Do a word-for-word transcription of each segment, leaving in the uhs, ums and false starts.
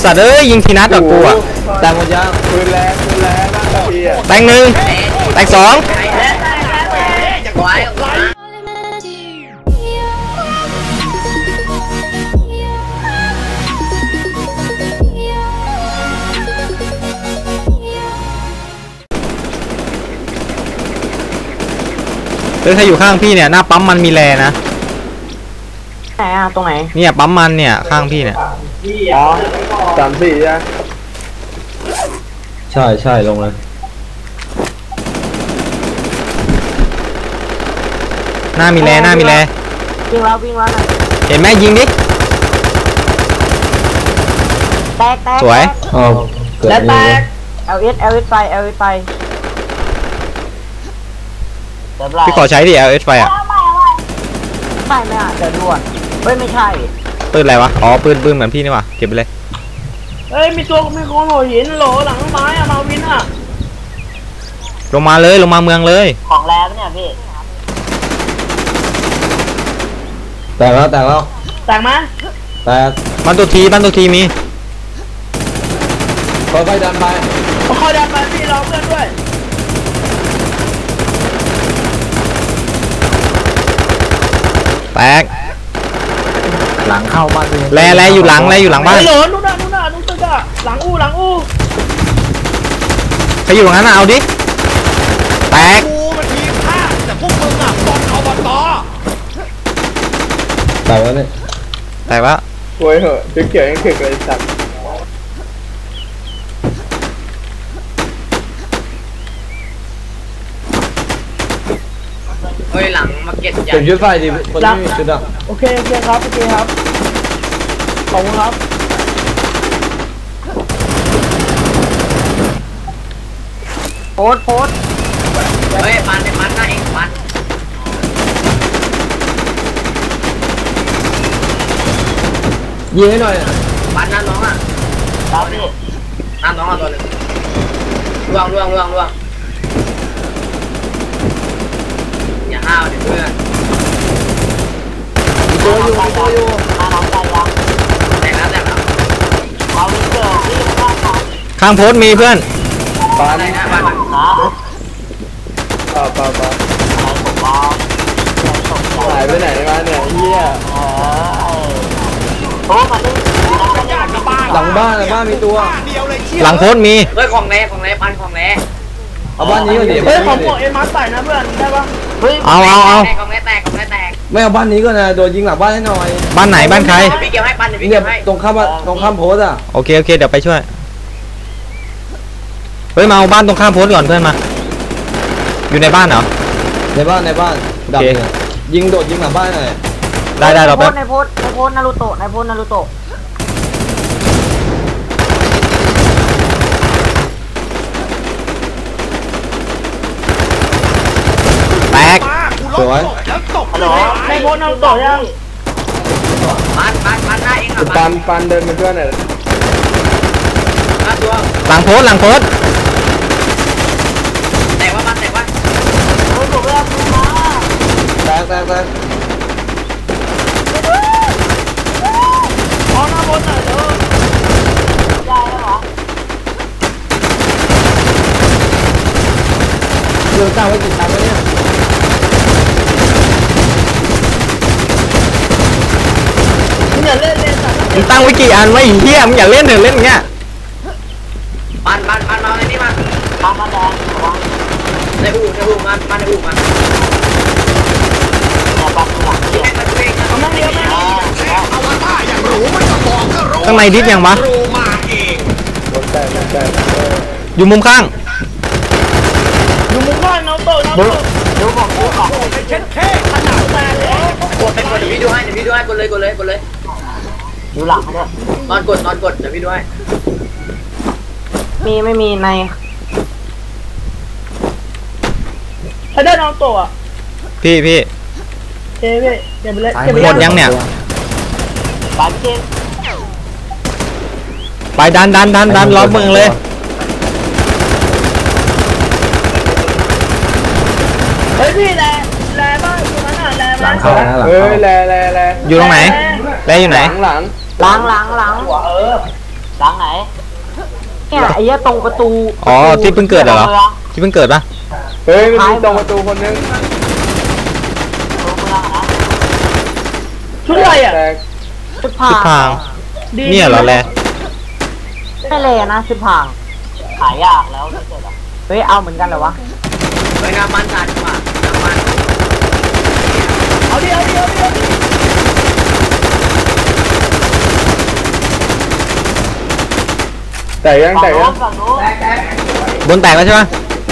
สัตว์เอ้ยยิงทีนัดกับกูอะแต่หมดยังปืนแรงปืนแรงบ้างทีอ่ะแตงหนึ่งแตงสองเฮ้ยถ้าอยู่ข้างพี่เนี่ยหน้าปั๊มมันมีแลนะไหนอะตรงไหนเนี่ยปั๊มมันเนี่ยข้างพี่เนี่ยอ๋อสามสี่ใช่ใช่ใช่ลงเลยหน้ามีแลหน้ามีแลวิ่งแล้ววิ่งแล้วนะเห็นไหมยิงดิแตกแตกสวยแล้วแตกเอลเอสเอลเอสไปเอลเอสไปพี่ขอใช้ดิ แอล เอส ไฟอ่ะไม่ไม่อ่ะเดี๋ยวด่วนเฮ้ยไม่ใช่ปืนอะไรวะอ๋อปืนปืนเหมือนพี่นี่วะเก็บไปเลยเฮ้ยมีตัวมีคนโหหินโหลหลังไม้อะมาวินอะลงมาเลยลงมาเมืองเลยของแรงเนี่ยพี่แตกแล้วแตกแล้วแตกไหมแตกบ้านตัวทีบ้านตัวทีมีค่อยๆดันไปค่อยๆดันไปพี่รอเพื่อนด้วยแตกหลังเข้าบ้านแลแลอยู่หลังแลอยู่หลังบ้านหลนนู่นน่ะนู่นน่ะนู่นตึกอะหลังอู้หลังอู้ใครอยู่ตรงนั้นเอาดิแตกกูมันทีมข้าแต่พวกมึงอ่ะบอลอบตแตกแล้วเนี่ยแตกแล้วโวยเหอะเกี่ยวยังเกี่ยวเลยสัตว์เฮ้ยหลังมาเก็ตเก็บยุดไฟดิคนที่มีชุดอ่ะโอเคโอเคครับโอเคครับขอบคุณครับโพสโพสเฮ้ยปันไอ้ปันนะเองปันยิงให้หน่อยปันน้าน้องอ่ะครับพี่น้าน้องอ่ะตัวนึงล่วงล่วงล่วงล่วงอย่าห้าวเดี๋ยวเพื่อนตัวอยู่ตัวอยู่น้าน้องใจยังแต่แล้วแต่แล้วเอาวิเกอร์ที่ข้างข้างโพสมีเพื่อนปานนะปานนะปาปาปาหายไปไหนมาเนี่ยเฮียโอ้มาดิหลังบ้านหลังบ้านมีตัวหลังโพสมีเฮ้ยของแร่ของแร่ปันของแร่เอาบ้านนี้ก็ดีเฮ้ยของเอ็มมาร์ใส่นะเพื่อนได้ปะเอาเอาเอาของแร่แตกของแร่แตกไม่เอาบ้านนี้ก็นะโดนยิงหลังบ้านให้หน่อยบ้านไหนบ้านใครพี่เกี่ยวให้ปันเดี๋ยวพี่เก็บให้ตรงข้ามตรงข้ามโพสอ่ะโอเคโอเคเดี๋ยวไปช่วยเฮ้ยมาเอาบ้านตรงข้ามโพสก่อนเพื่อนมาอยู่ในบ้านเหรอในบ้านในบ้านดับยิงโดดยิงหลังบ้านหน่อยได้ได้เราไปในโพสในโพสนารูโตะในโพสนารูโตะแตกสวยฮัลโหลในโพสนารูโตะยังปันปันปันได้เองอ่ะปันปันเดินมาด้วยหน่อยหลังโพสหลังโพสแต่ว่าปันแต่ว่าโอ้ยผมเริ่มมาแตกแตกแตกอ๋อหน้าบนหน่อยเด้อได้แล้วเหรอเรื่องตั้งไว้กี่ชั้นแล้วเนี่ยมึงอย่าเล่นเล่นสัตว์มึงตั้งไว้กี่อันไว้เฮียมึงอย่าเล่นเถอะเล่นเงี้ยปันปันปันมาในนี้มาปันมาแดงในอู่ในอู่มามาในอู่มาข้างในดิฟยังวะอยู่มุมข้างอยู่มุมข้างน้องโตน้องโตดูของดูของเป็นเช็ดเท่ขนาดแรงเลยกดเป็นกดเดี๋ยวพี่ดูให้เดี๋ยวพี่ดูให้กดเลยกดเลยกดเลยดูหลังเนี่ยนอนกดนอนกดเดี๋ยวพี่ดูให้มีไม่มีในถ้าได้น้องโตอ่ะพี่พี่เจ๊พี่เก็บไปเลยหมดยังเนี่ยปันเจ๊ไปดันดันดันดันล้อมเมืองเลยเฮ้ยพี่แลแลบ้างอยู่นั้นอ่ะแลบ้างเฮ้ยแลแลแลอยู่ตรงไหนแลอยู่ไหนหลังหลังหลังหลังเหลังไหนเนี่ยไอ้เหี้ยตรงประตูอ๋อที่เพิ่งเกิดเหรอที่เพิ่งเกิดปะเฮ้ยมันมีตรงประตูคนนึงชุดอะไรอ่ะแตกชุดชุดพพารางเนี่ยเหรอแลไม่เลยนะชุดพางขายยากแล้วเกิดอ่ะเฮ้ยเอาเหมือนกันเหรอวะเฮ้ยน้ำมันกันดีกว่าน้ำมันเอาดิเอาดิเอาดิเอาดิแตกยังแตกยังฝั่งนู้นบนแตกแล้วใช่ปะ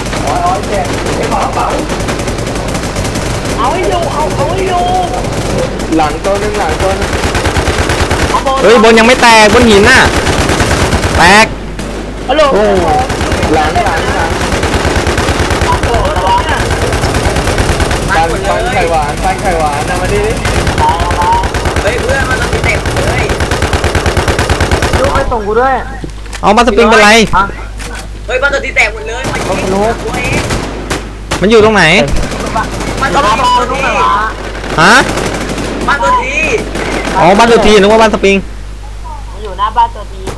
เอาให้อยู่เอาเอาให้อยู่หลังตัวนึงหลังตัวนึงเอาบอลเฮ้ยบนยังไม่แตกบนหินน่ะแตกฮัลโหลโอ้หลังหลังหลังระวังนะมัปันนหมดปันเลไข่ยหวานปันไข่หวานนะมาดิดิเฮ้ยเพื่อนมันต้องมีเต็มเลยลูกไปส่งกูด้วยเอามาสปริงเป็นไรอ่ะเฮ้ยมันตัวที่แตกหมดเลยมันยิงตัวเองมันอยู่ตรงไหนมันก็ตัวมาที่บอกลูกหน่อยวะฮะมันตัวทีอ๋อบ้านตัวทีนึกว่าบ้านสปริงมันอยู่หน้าบ้านตัวที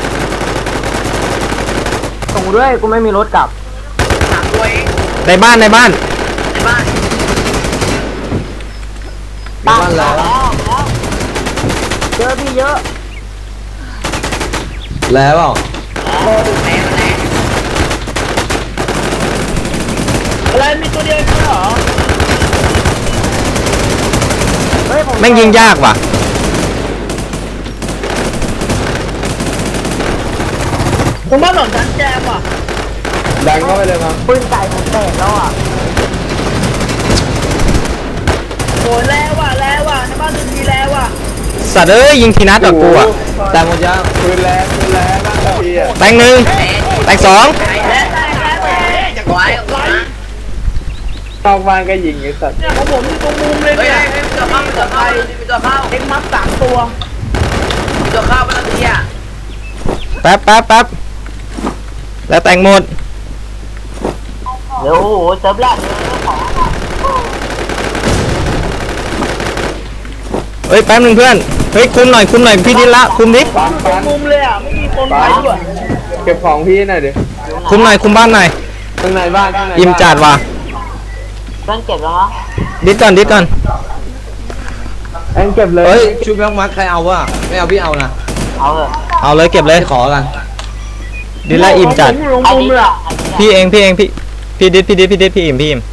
ส่งกูด้วยกูไม่มีรถกลับสามตัวเองในบ้านในบ้านในบ้านบ้านแล้วแล้วเยอะพี่เยอะแล้วเปล่าแรงแรงอะไรมีตัวเดียวเหรอเฮ้ยผมแม่งยิงยากว่ะผมบ้านหนอนชั้นแจมอ่ะดังเข้าไปเลยมั้งปืนไก่ผมแตกแล้วอ่ะโอ้แล้วอ่ะแล้วอ่ะในบ้านตัวทีแล้วอ่ะสัตว์เอ้ยยิงทีนัดกับกูอ่ะแต่หมดยังปืนแรงปืนแรงบ้างทีอ่ะแตงหนึ่งแตงสองแรงแรงแรงแรงจะไหวไหวนอกบ้านก็ยิงไอ้สัตว์เนี่ยของผมอยู่ตรงมุมเลยเฮ้ยเนี่ยเฮ้ยมีตัวเข้ามีตัวเข้ามีตัวเข้าเอ็งมัดสามตัวมีตัวเข้ามันตัวทีอ่ะแป๊บแป๊บแป๊บแล้วแตงหมดเดี๋ยวโอ้โหเซิร์ฟแรกเลยของเฮ้ยแป๊บหนึงเพื่อนเฮ้ยคุมหน่อยคุมหน่อยพี่ดิละคุมดิปันปันมุมเลยอ่ะไม่มีคนปัไปนด้วยเก็บของพี่หน่อยดิคุมหน่อยคุมบ้านหน่อยข้างในบ้านข้างในบ้านอิ่มจัดว่ะเพื่อนเก็บแล้วมั้งดิดก่อนดิดก่อนเอ็งเก็บเลยเฮ้ยชุบแม็กมัดใครเอาวะไม่เอาพี่เอานะเอาเถอะเอาเลยเก็บเลยไปขอกันดิดละอิ่มจัดผมอยู่ตรงมุมเลยอ่ะพี่เองพี่เองพี่พี่ดิดพี่ดิดพี่ดิดพี่อิ่มพี่อิ่ม